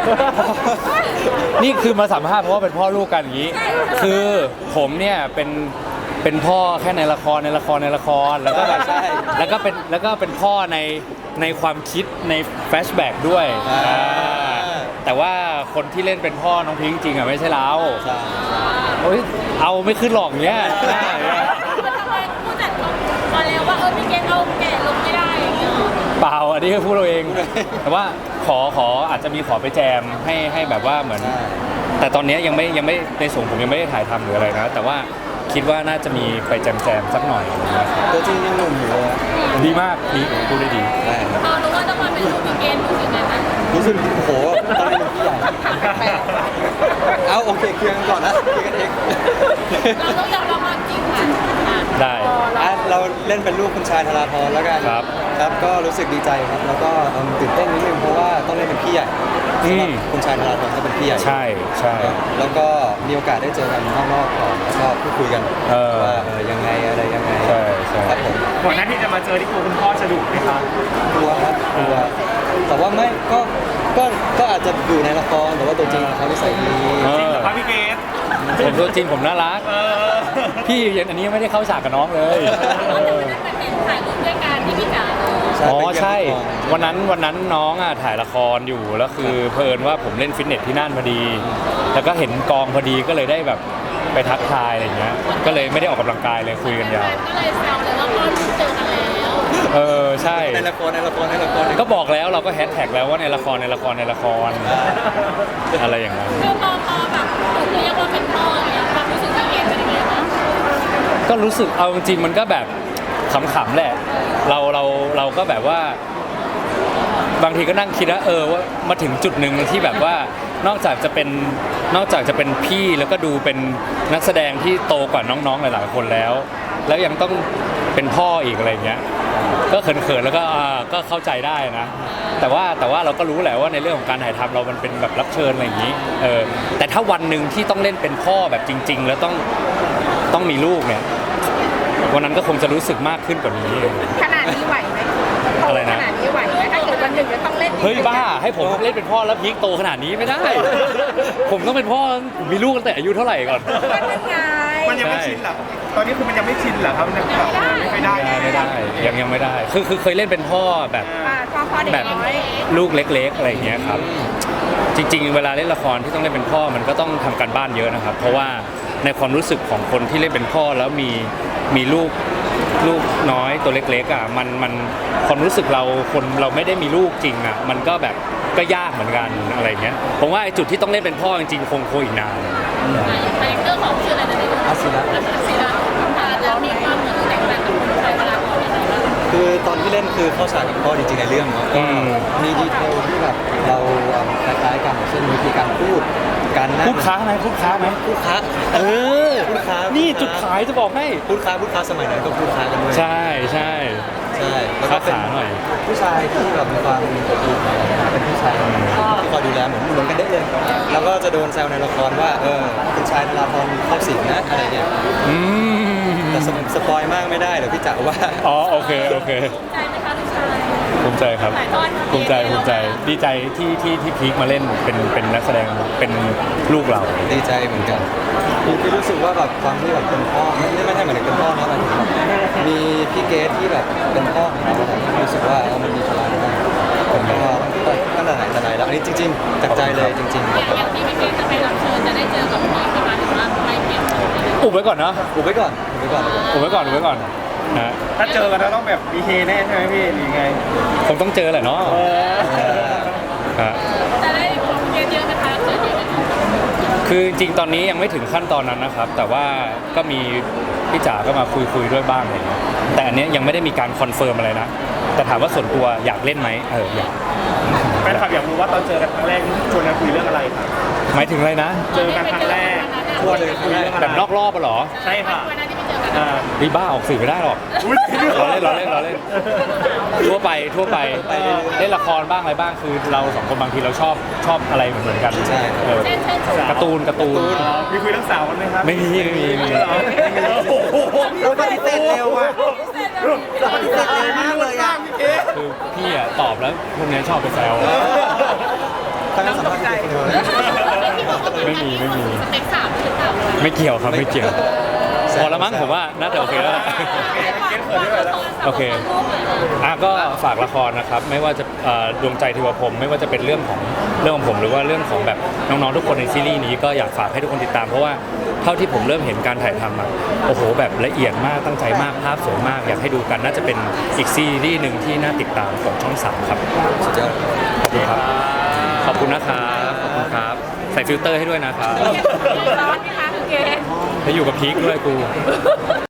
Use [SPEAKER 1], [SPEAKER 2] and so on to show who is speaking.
[SPEAKER 1] นี่คือมาสัมภาษณ์เพราะว่าเป็นพ่อลูกกันอย่างนี้คือผมเนี่ยเป็นพ่อแค่ในละครแล้วก็แบบแล้วก็เป็นพ่อในความคิดในแฟลชแบ็กด้วยแต่ว่าคนที่เล่นเป็นพ่อน้องพิงค์จริงอ่ะไม่ใช่เราโอ้ยเอาไม่ขึ้นหรอกเนี้ย
[SPEAKER 2] ทำไมผู้จัดมาแล้วว่าพี่เกณฑ์เอาแก่ลงไม่ได้อย่างเงี้ย
[SPEAKER 1] เปล่าอันนี้คือพูดเราเองแต่ว่าขออาจจะมีขอไปแจมให้แบบว่าเหมือนแต่ตอนนี้ยังไม่ในส่วนผมยังไม่ได้ถ่ายทำหรืออะไรนะแต่ว่าคิดว่าน่าจะมีไปแจมสักหน่อยนะครับ
[SPEAKER 3] ตัวจริงยังหนุ่มอยู่เลย
[SPEAKER 1] ดีมากดีพูดได้ดี
[SPEAKER 2] พอรู้ว่าต้องมาเป็นลูกพี่เกณฑ์รู้สึกไงบ้าง
[SPEAKER 3] รู้สึกโอ้โหตอนนี้เป็นพี่ใหญ่เอาโอเคเคลียร์กันก่อนนะเคลียร์กันเอง
[SPEAKER 2] เราต้องยอมรับความจริงค่ะ
[SPEAKER 1] ได้
[SPEAKER 3] เราเล่นเป็นลูกคุณชายธราพรแล้วกันครับก็รู้สึกดีใจครับแล้วก็ตื่นเต้นนิดนึงเพราะว่าต้องเล่นเป็นพี่ใหญ่คุณชายธราพรก็เป็นพี่ใหญ่
[SPEAKER 1] ใช่
[SPEAKER 3] แล้วก็มีโอกาสได้เจอกันข้างนอกก่อนแล้วก็พูดคุยกันว่ายังไงอะไรยังไง
[SPEAKER 1] ใช่
[SPEAKER 3] ครับผม
[SPEAKER 4] ก่อนหน้าที่จะมาเจอที่คุณพ่อจะดุไหมครับ
[SPEAKER 3] กลัวครับกลัวแต่ว่าไม่ก็อาจจะอยู่ในละครแต่ว่าตัวจริงเขานิสัยดี
[SPEAKER 4] จริงเหรอครับพี่เกศ
[SPEAKER 1] ผมตัวจริงผมน่ารักพี่ยังอันนี้ไม่ได้เข้าฉากกับน้องเลย
[SPEAKER 2] ถ่ายรูปด้วยกันที่พี่จ๋า
[SPEAKER 1] อ๋อใช่วันนั้นน้องถ่ายละครอยู่แล้วคือเพลินว่าผมเล่นฟิตเนสที่นั่นพอดีแล้วก็เห็นกองพอดีก็เลยได้แบบไปทักทายอะไรเงี้ยก็เลยไม่ได้ออกกำลังกายเลยคุยกันยาว
[SPEAKER 2] ก็เลยแซวเลยว่าพ่อลูกเจอกันแล้ว
[SPEAKER 1] ใช่
[SPEAKER 3] ในละคร
[SPEAKER 1] ก็บอกแล้วเราก็แฮชแท็กแล้วว่าในละครอะไรอย่างเงี้ย
[SPEAKER 2] คือพอแบบเรียกว่าเป็นพ่อเนี่ยความรู้สึกพี่เกณฑ์เป็นยังไงบ้าง
[SPEAKER 1] ก็รู้สึกเอาจริงมันก็แบบขำๆแหละเราก็แบบว่าบางทีก็นั่งคิดว่ามาถึงจุดหนึ่งที่แบบว่านอกจากจะเป็นพี่แล้วก็ดูเป็นนักแสดงที่โตกว่าน้องๆหลายๆคนแล้วยังต้องเป็นพ่ออีกอะไรเงี้ยก็เขินๆแล้วก็เข้าใจได้นะแต่ว่าเราก็รู้แหละว่าในเรื่องของการถ่ายทำเรามันเป็นแบบรับเชิญอะไรอย่างนี้แต่ถ้าวันหนึ่งที่ต้องเล่นเป็นพ่อแบบจริงๆแล้วต้องมีลูกเนี่ยวันนั้นก็คงจะรู้สึกมากขึ้นกว่านี้
[SPEAKER 2] ขนาดนี้ไหวไหม
[SPEAKER 1] อะไรนะ
[SPEAKER 2] ขนาดนี้ไหวไหมถ้าเกิดวันหนึ่งจะต้องเล่น
[SPEAKER 1] เฮ้ยบ้าให้ผมเล่นเป็นพ่อแล้วพีคโตขนาดนี้ไม่ได้ผมต้องเป็นพ่อมีลูกตั้งแต่อายุเท่าไหร่ก่อน
[SPEAKER 4] มันยังไม่ชินหรอตอนนี้คือมันยังไม่ชินเหรอครับมันแบบไม่ได้
[SPEAKER 1] ยังไม่ได้คือเคยเล่นเป็นพ่อแบบลูกเล็กๆอะไรอย่างเงี้ยครับจริงๆเวลาเล่นละครที่ต้องเล่นเป็นพ่อมันก็ต้องทำการบ้านเยอะนะครับเพราะว่าในความรู้สึกของคนที่เล่นเป็นพ่อแล้วมีลูกน้อยตัวเล็กๆมันความรู้สึกเราไม่ได้มีลูกจริงมันก็แบบก็ยากเหมือนกันอะไรเงี้ยผมว่าไอ้จุดที่ต้องเล่นเป็นพ่อจริงๆคงอีกนาน
[SPEAKER 2] คาแรคเตอร์ของชื่ออะไรนะ
[SPEAKER 3] อาศิระ
[SPEAKER 2] แล้วมีความเหมือนแตกต่างกับคุณชายธราพรยังไงบ้าง
[SPEAKER 3] คือตอนที่เล่นคือเข้าฉากกับพ่อจริงๆในเรื่องเนาะมีดีเทลที่แบบเราคล้ายๆกันเช่นวิธีการพูดการนั่ง
[SPEAKER 1] พูดค้าไหมพูดค้า
[SPEAKER 3] พูดค้า
[SPEAKER 1] นี่จุดขายจะบอกให้
[SPEAKER 3] พูดค้าสมัยนั้นก็พูดค้ากันด้วย
[SPEAKER 1] ใช่
[SPEAKER 3] แล้วก็เป็นผู้ชายที่แบบมีความดีเป็นผู้ชายที่คอยดูแลเหมือนกันได้เลยแล้วก็จะโดนแซวในละครว่าคุณชายธราพรเข้าสิงนะอะไรเนี่ยแต่สปอยมากไม่ได้เดี๋ยวพี่จ๋าว่า
[SPEAKER 1] โอเค
[SPEAKER 2] ใจไหมคะลูกชาย
[SPEAKER 1] ภูมิใจครับภูมิใจดีใจที่พีคมาเล่นเป็นนักแสดงเป็นลูกเรา
[SPEAKER 3] ดีใจเหมือนกันพี่รู้สึกว่าแบบความที่แบบเป็นพ่อไม่ใช่เหมือนเป็นพ่อนะมีพี่เกศที่แบบเป็นพ่อของเรารู้สึกว่ามันมีพลังมากผมก็ตั้งแต่ไหนแต่ไรแล้วอันนี้จริงๆจากใจเลยจริงๆ
[SPEAKER 2] อย่างที่พี่เกศจะไปรับเชิญจะได้เจอกับพี่ประมาณถึงว่าไม่เปลี่ยน
[SPEAKER 1] อุบไว้ก่อนนะ
[SPEAKER 3] อุบไว้ก่อน
[SPEAKER 1] นะ
[SPEAKER 4] ถ้าเจอกันแล้วต้องแบบมีเฮแน่ใช่ไหมพี่หรือไง
[SPEAKER 1] คงต้องเจอแหละเนาะ
[SPEAKER 2] จะได้ของเยอะๆนะคะเจอเยอะ
[SPEAKER 1] คือจริงตอนนี้ยังไม่ถึงขั้นตอนนั้นนะครับแต่ว่าก็มีพี่จ๋าก็มาคุยด้วยบ้างอะไรเงี้ยแต่อันนี้ยังไม่ได้มีการคอนเฟิร์มอะไรนะแต่ถามว่าส่วนตัวอยากเล่นไหมอยาก
[SPEAKER 4] แฟนคลับอยากรู้ว่าตอนเจอกันครั้งแรกชวนกันคุยเรื่องอะไรครับ
[SPEAKER 1] หมายถึงอะไรนะ
[SPEAKER 4] เจอกันครั้งแรก
[SPEAKER 3] ชวนเลยคุย
[SPEAKER 1] แบบนอกรอบเหรอ
[SPEAKER 4] ใช่ค่ะ
[SPEAKER 1] ดีบ้าออกสื่อไม่ได้หรอกเราเล่นทั่วไปเล่นละครบ้างอะไรบ้างคือเราสองคนบางทีเราชอบอะไรเหมือนกัน
[SPEAKER 3] ใช่
[SPEAKER 1] การ์ตูน
[SPEAKER 4] มีคุยเรื่องสาวกันไหมครับ
[SPEAKER 1] ไม่มี
[SPEAKER 3] เราปฏิเสธเร็วอ่ะเราปฏิเสธเร็วมากเลย
[SPEAKER 1] คือพี่ตอบแล้วพวกนี้ชอบไปแซว
[SPEAKER 3] ตั้งสัมภาษณ์
[SPEAKER 1] ไม่มี
[SPEAKER 2] สเต็ปสามหรือเปล่า
[SPEAKER 1] ไม่เกี่ยวครับไม่เกี่ยวพอละมั้งผมว่าน่าจะโอเคแล้วล่ะ โอเค ก็ฝากละครนะครับไม่ว่าจะดวงใจเทวพรหมไม่ว่าจะเป็นเรื่องของผมหรือว่าเรื่องของแบบน้องๆทุกคนในซีรีส์นี้ก็อยากฝากให้ทุกคนติดตามเพราะว่าเท่าที่ผมเริ่มเห็นการถ่ายทำโอ้โหแบบละเอียดมากตั้งใจมากภาพสวยมากอยากให้ดูกันน่าจะเป็นอีกซีรีส์หนึ่งที่น่าติดตามของช่อง3ครับ
[SPEAKER 3] สุดยอด
[SPEAKER 1] ขอบคุณนะครับขอบคุณครับใส่ฟิลเตอร์ให้ด้วยนะครับ
[SPEAKER 2] ร้อนไหมคะคุณเกณฑ์
[SPEAKER 1] แล้วอยู่กับพีคด้วยกู